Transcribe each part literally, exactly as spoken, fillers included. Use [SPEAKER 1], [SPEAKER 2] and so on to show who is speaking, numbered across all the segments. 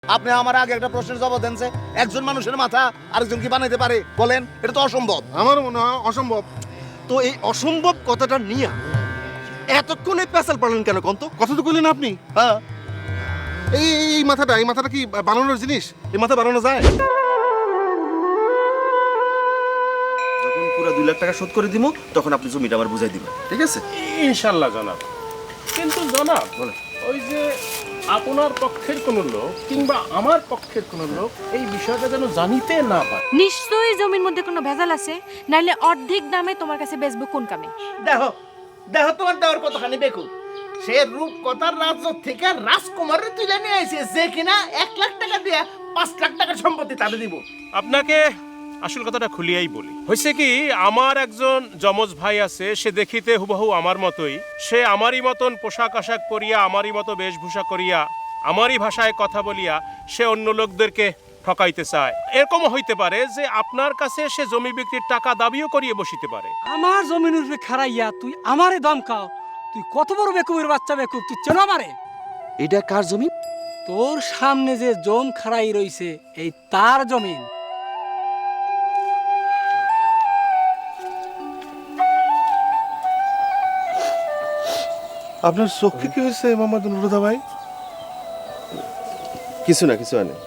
[SPEAKER 1] আপনি আমার আগে একটা প্রশ্নের জবাব দেন যে একজন মানুষের মাথা আরেকজন কি বানাইতে পারে বলেন? এটা তো অসম্ভব।
[SPEAKER 2] আমার মনে হয় অসম্ভব।
[SPEAKER 3] তো এই অসম্ভব কথাটা নিয়ে এতক্ষণে পেশাল পালেন কেন কন্ত?
[SPEAKER 2] কথা তো কইলেন আপনি।
[SPEAKER 1] হ্যাঁ,
[SPEAKER 2] এই এই- এই মাথাটা এই মাথাটা কি বানানোর জিনিস? এই মাথা বানানো যায়?
[SPEAKER 3] যখন পুরো দুই লাখ টাকা শোধ করে দিব তখন আপনি জমিটা আবার বুঝাই দিবেন, ঠিক আছে?
[SPEAKER 4] ইনশাল্লাহ জনাব। কিন্তু জনাব
[SPEAKER 3] বলেন।
[SPEAKER 4] ওই যে আপনার পক্ষের কোনো লোক কিংবা আমার পক্ষের কোনো লোক এই বিষয়টা যেন জানিতে না পারে।
[SPEAKER 5] নিশ্চয়ই জমির মধ্যে কোনো ভেজাল আছে, নাইলে অর্ধেক দামে তোমার কাছে বেচবো কোন কামে?
[SPEAKER 6] দেখো দেখো তোমার দেওয়ার কতখানি বেকুব। সে রূপকথার রাজ্য থেকে রাজকুমারের তুলে নিয়ে আইছে, যে কিনা এক লাখ টাকা দিয়ে পাঁচ লাখ টাকার সম্পত্তি তাদের দিব।
[SPEAKER 4] আপনাকে আসল কথাটা খুলিয়াই বলি। হয়েছে কি, আমার একজন যমজ ভাই আছে, সে দেখিতে হুবহু আমার মতোই। সে আমারই মতন পোশাক আশাক পরিয়া, আমারই মতো বেশভূষা করিয়া, আমারই ভাষায় কথা বলিয়া সে অন্য লোকদেরকে ঠকাইতে চায়। এরকমও হইতে পারে যে আপনার কাছে সে জমি বিক্রির টাকা দাবিও করিয়ে বসিতে পারে।
[SPEAKER 7] আমার জমিন উপরে খারাইয়া তুই আমারে দমকাও? তুই কত বড় বেকুবের বাচ্চা বেকুব, তুই চেনো আমারে?
[SPEAKER 3] এটা কার জমি?
[SPEAKER 7] তোর সামনে যে জম খারাই রইছে এই তার জমিন।
[SPEAKER 2] আপনার চোখে কি হয়েছে মোহাম্মদ নুরুদা ভাই?
[SPEAKER 3] কিছু না, কিছু হয় না।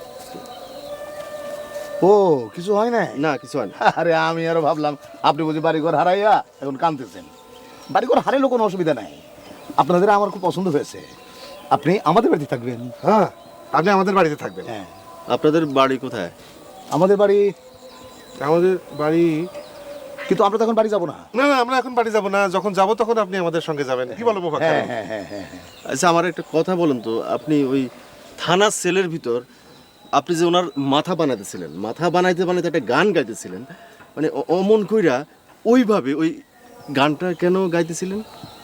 [SPEAKER 1] ও কিছু হয় না?
[SPEAKER 3] না, কিছু হয় না।
[SPEAKER 1] আরে আমি আরো ভাবলাম আপনি বুঝি বাড়িঘর হারাইয়া এখন কাঁদতেছেন। বাড়িঘর হারাইলেও কোনো অসুবিধা নাই, আপনাদের আমার খুব পছন্দ হয়েছে। আপনি আমাদের বাড়িতে থাকবেন।
[SPEAKER 2] হ্যাঁ, আপনি আমাদের বাড়িতে থাকবেন।
[SPEAKER 1] হ্যাঁ,
[SPEAKER 3] আপনাদের বাড়ি কোথায়?
[SPEAKER 1] আমাদের বাড়ি,
[SPEAKER 2] আমাদের বাড়ি
[SPEAKER 1] কিন্তু আমরা তখন বাড়ি যাবো না।
[SPEAKER 2] না না, আমরা এখন বাড়ি যাব না। যখন যাব তখন আপনি আমাদের সঙ্গে যাবেন। কি বলবো?
[SPEAKER 1] হ্যাঁ হ্যাঁ হ্যাঁ হ্যাঁ হ্যাঁ।
[SPEAKER 3] আচ্ছা, আমার একটা কথা বলুন তো, আপনি ওই থানা সেলের ভিতর আপনি যে ওনার মাথা বানাইতেছিলেন, মাথা বানাইতে বানাইতে একটা গান গাইতেছিলেন, মানে অ- অমন কইরা ওইভাবে ওই গানটা কেন গাইতেছিলেন?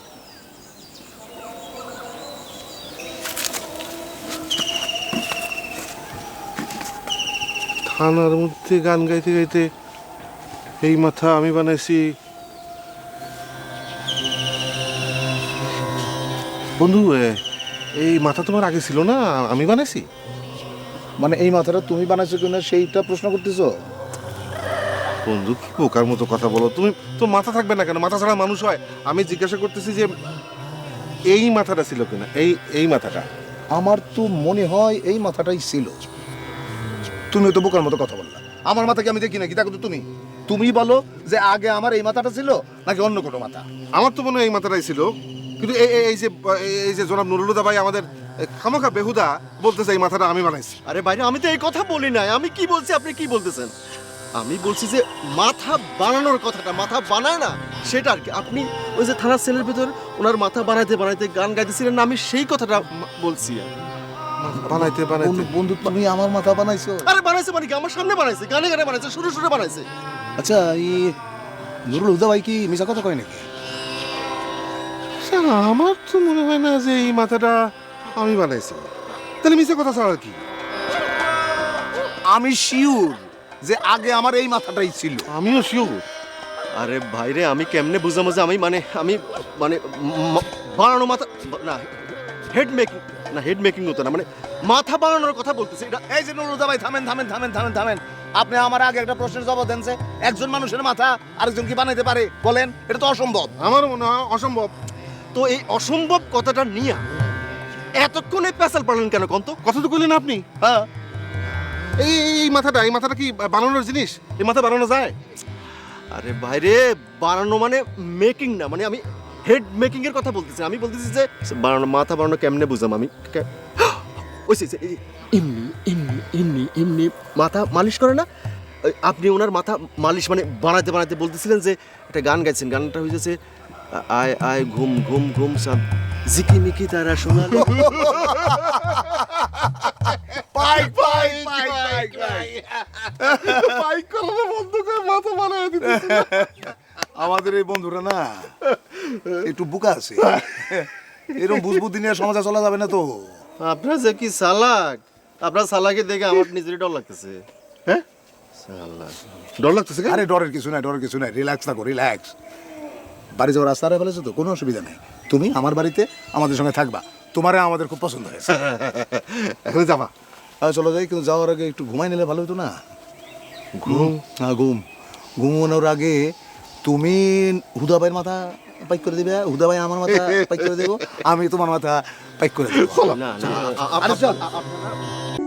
[SPEAKER 2] থানার মধ্যে গান গাইতে গাইতে এই মাথা আমি বানাইছি। বন্ধু, এ, এই মাথা তোমার আগে ছিল না? আমি বানাইছি।
[SPEAKER 1] মানে এই মাথাটা তুমি বানাইছো কিনা সেইটা প্রশ্ন করতেছো?
[SPEAKER 2] বন্ধু, কি বোকার মতো কথা বলো তুমি। তো মাথা থাকবে না কেন? মাথা ছাড়া মানুষ হয়? আমি জিজ্ঞাসা করতেছি যে এই মাথাটা ছিল কিনা। এই এই মাথাটা
[SPEAKER 1] আমার তো মনে হয় এই মাথাটাই ছিল। তুমি তো বোকার মতো কথা বললা। আমার মাথা কি আমি দেখি নাকি? দেখো তো তুমি তুমি বলো যে আগে আমার এই মাথাটা ছিল নাকি অন্য কোনো মাথা?
[SPEAKER 2] আমার তো মনে হয় এই মাথাটাই ছিল। কিন্তু এই এই- এই যে এই যে জনাব নুরুলুদা ভাই আমাদের খামাখা বেহুদা বলতেছে এই মাথাটা আমি বানাইছি।
[SPEAKER 3] আরে বাইরে, আমি তো এই কথা বলি নাই। আমি কি বলছি, আপনি কি বলতেছেন? আমি বলছি যে মাথা বানানোর কথাটা, মাথা বানায় না সেটা আর কি। আপনি ওই যে থানার সেলের ভিতর ওনার মাথা বানাইতে বানাইতে গান গাইতেছিলেন না, আমি সেই কথাটা মা- বলছি।
[SPEAKER 2] বানাইতে বানাইতে
[SPEAKER 1] বন্ধু বন্ধু তুমি আমার মাথা বানাইছো?
[SPEAKER 3] আরে বানাইছে মানে কি? আমার সামনে বানাইছে, গানে গানে বানাইছে, সুরে সুরে বানাইছে।
[SPEAKER 1] আচ্ছা, এই নুরুল হুদা ভাই কি মিছা কথা কয় নাকি?
[SPEAKER 2] শালা, আমার তো মনে হয় না যে এই মাথাটা আমি বানাইছি। তাহলে মিছে কথা ছাড়া আর কি?
[SPEAKER 1] আমি শিওর যে আগে আমার এই মাথাটাই ছিল।
[SPEAKER 2] আমিও শিওর।
[SPEAKER 3] আরে ভাইরে, আমি কেমনে বুঝাবো যে আমি মানে আমি মানে ম- বানানো মাথা না, হেড মেকিং না, হেড মেকিং হতো না, মানে মাথা বানানোর কথা বলতেছি। এটা
[SPEAKER 1] এই যে নুরুল হুদা ভাই, থামেন থামেন থামেন থামেন থামেন। আপনি আমার আগে একটা প্রশ্নের জবাব দেন যে একজন মানুষের মাথা আরেকজন কি বানাইতে পারে বলেন? এটা তো অসম্ভব।
[SPEAKER 2] আমার মনে হয় অসম্ভব।
[SPEAKER 3] তো এই অসম্ভব কথাটা নিয়ে এতক্ষণে পেশাল পালেন কেন কন্ত?
[SPEAKER 2] কথা তো কইলেন আপনি।
[SPEAKER 1] হ্যাঁ,
[SPEAKER 2] এই এই- এই মাথাটা এই মাথাটা কি বানানোর জিনিস? এই মাথা বানানো যায়?
[SPEAKER 3] আরে ভাইরে, বানানো মানে মেকিং না, মানে আমি হেড মেকিং এর কথা বলতেছি। আমি বলতেছি যে বানানো, মাথা বানানো কেমনে বুঝাম আমি? কে- ওই সে- সে- এই এমনি এমনি এমনি এমনি মাথা মালিশ করে না? ওই আপনি ওনার মাথা মালিশ মানে বানাইতে বানাইতে বলতেছিলেন যে একটা গান গাইছেন, গানটা হয়েছে আয় আয় ঘুম ঘুম ঘুম সাম ঝিকিমিকি তারা শোনালো।
[SPEAKER 1] পাই পাই পাই পাই পাই।
[SPEAKER 2] বাইক করানো বন্ধ করে মাথা বানায় দিতে।
[SPEAKER 1] আমাদের এই বন্ধুরা না একটু বুকা আছে, এরকম বুঝবুদ্ধি নিয়ে সমাজে চলা যাবে না তো।
[SPEAKER 3] আপনার যে কি চালাক, আপনার চালাকে দেখে আমার নিজেরই ডর লাগতেছে।
[SPEAKER 2] হ্যাঁ,
[SPEAKER 3] চালাক।
[SPEAKER 2] ডর লাগতেছে কেন?
[SPEAKER 1] আরে ডরের কিছু নাই, ডরের কিছু নাই, রিল্যাক্স থাকো, রিল্যাক্স। বাড়ি যাওয়ার রাস্তা হারিয়ে ফেলেছো তো, কোনো অসুবিধা নেই। তুমি আমার বাড়িতে আমাদের সঙ্গে থাকবা, তোমারে আমাদের খুব পছন্দ হয়েছে।
[SPEAKER 2] এখন যাবা?
[SPEAKER 1] হ্যাঁ চলো যাই, কিন্তু যাওয়ার আগে একটু ঘুমাই নিলে ভালো হতো না?
[SPEAKER 2] ঘুম?
[SPEAKER 1] হ্যাঁ ঘুম। ঘুমানোর আগে তুমি হুদাবাইয়ের মাথা পাইক করে দিবে, হুদাবাই আমার মাথা পাইক করে দেবো, আমি তোমার মাথা পাইক করে দেবো।
[SPEAKER 3] না না
[SPEAKER 1] আরে চল।